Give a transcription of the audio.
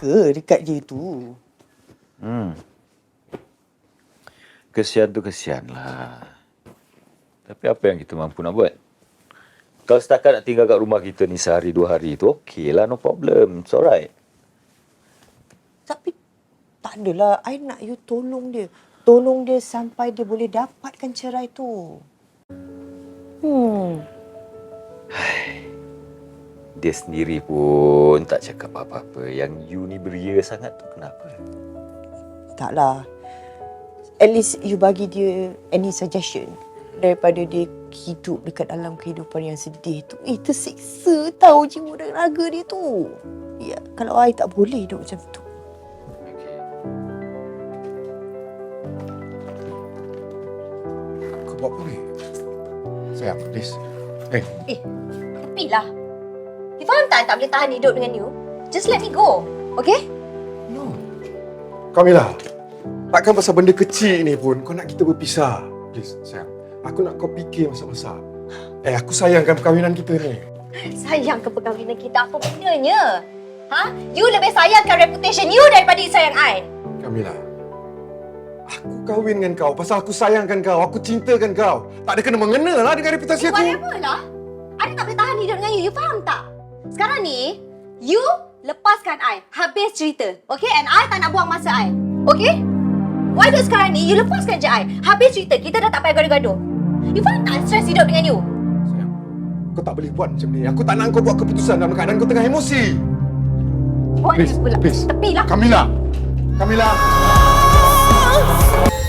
ke dekat dia tu? Kesian tu kesian lah. Tapi apa yang kita mampu nak buat? Kalau setakat nak tinggal kat rumah kita ni sehari dua hari tu, okey lah, no problem. It's alright. Tapi tak adalah. I nak you tolong dia. Tolong dia sampai dia boleh dapatkan cerai tu. Dia sendiri pun tak cakap apa-apa. Yang you ni beria sangat tu kenapa? Taklah. At least you bagi dia any suggestion. Daripada dia hidup dekat dalam kehidupan yang sedih tu. Tersiksa tahu jiwa dan raga dia tu. Ya, kalau I tak boleh hidup macam tu. Kau buat apa ni? Sayang, please. Tepilah. You faham tak I tak boleh tahan hidup dengan you? Just let me go. Okay? No. Kamila, takkan pasal benda kecil ni pun kau nak kita berpisah. Please, sayang. Aku nak kau fikir masa-masa. Aku sayangkan perkahwinan kita ni. Sayang ke perkahwinan kita? Apa benarnya? You lebih sayangkan reputation you daripada you sayang I. Kamila, aku kahwin dengan kau pasal aku sayangkan kau. Aku cintakan kau. Tak ada kena-mengena lah dengan reputasi aku. Whatever lah. I tak boleh tahan hidup dengan you. You faham tak? Sekarang ni, you lepaskan I. Habis cerita. Okay? And I tak nak buang masa I. Okay? Why not sekarang ni, you lepaskan je I. Habis cerita. Kita dah tak payah gaduh-gaduh. You faham tak stres hidup dengan you? Sayang, kau tak boleh buat macam ni. Aku tak nak kau buat keputusan dalam keadaan kau tengah emosi. Buat Please, pula. please. Tepilah. Kamila. Kamila.